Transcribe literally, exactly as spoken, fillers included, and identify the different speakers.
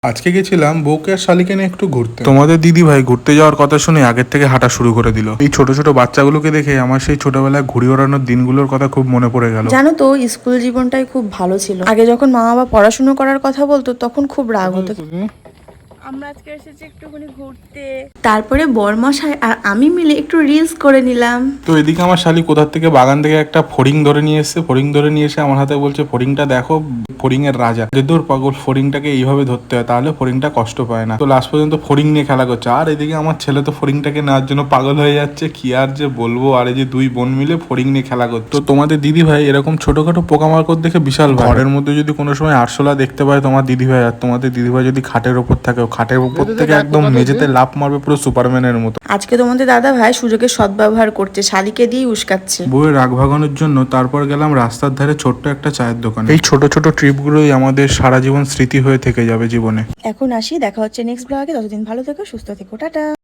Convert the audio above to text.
Speaker 1: আজকে গেছিলাম বউকে আর শালিকে নিয়ে একটু ঘুরতে। তোমাদের দিদি ভাই ঘুরতে যাওয়ার কথা শুনে আগের থেকে হাঁটা শুরু করে দিল। এই ছোট ছোট বাচ্চাগুলোকে দেখে আমার সেই ছোটবেলায় ঘুড়ি ওড়ানোর দিনগুলোর কথা খুব মনে পড়ে গেল।
Speaker 2: জানো তো, স্কুল জীবনটাই খুব ভালো ছিল। আগে যখন মা বাবা পড়াশুনো করার কথা বলতো তখন খুব রাগ হতো। আমরা আজকে এসেছি একটুখানি ঘুরতে, তারপরে বরমশাই আর আমি মিলে একটু রিলস করে নিলাম।
Speaker 1: তো এদিকে আমার শালি কোথার থেকে বাগান থেকে একটা ফড়িং ধরে নিয়ে এসছে। ফড়িং ধরে নিয়ে এসে আমার হাতে বলছে, ফড়িংটা দেখো, ফড়িং এর রাজা। যে দূর পাগল, ফড়িংটাকে এইভাবে ধরতে হয়, তাহলে ফড়িংটা কষ্ট পায় না। তো লাস্ট পর্যন্ত ফড়িং নিয়ে খেলা করছে। আর এদিকে আমার ছেলে তো ফড়িংটাকে নেওয়ার জন্য পাগল হয়ে যাচ্ছে। কি আর যে বলবো। আর এই যে দুই বোন মিলে ফড়িং নিয়ে খেলা করছে। তো তোমাদের দিদি ভাই এরকম ছোটখাটো পোকামাকড় দেখে বিশাল ভাই। ঘরের মধ্যে যদি কোনো সময় আরশোলা দেখতে পায় তোমার দিদি ভাই, আর তোমাদের দিদি ভাই যদি খাটের ওপর থাকে, খাটের ওপর থেকে একদম মেঝেতে লাফ মারবে পুরো সুপারম্যানের মতো।
Speaker 2: আজকে তোমাদের দাদা ভাই সুযোগের সদ্ব্যবহার করছে, শালিকে দিয়ে উস্কাচ্ছে।
Speaker 1: বউয়ের রাগ ভাগানোর জন্য তারপর গেলাম রাস্তার ধারে ছোট্ট একটা চায়ের দোকানে। এই ছোট ছোট ট্রিপগুলোই আমাদের সারা জীবন স্মৃতি হয়ে থেকে যাবে জীবনে।
Speaker 2: এখন আসি, দেখা হচ্ছে নেক্সট ব্লগে। ততদিন ভালো থেকো, সুস্থ থেকো, টাটা।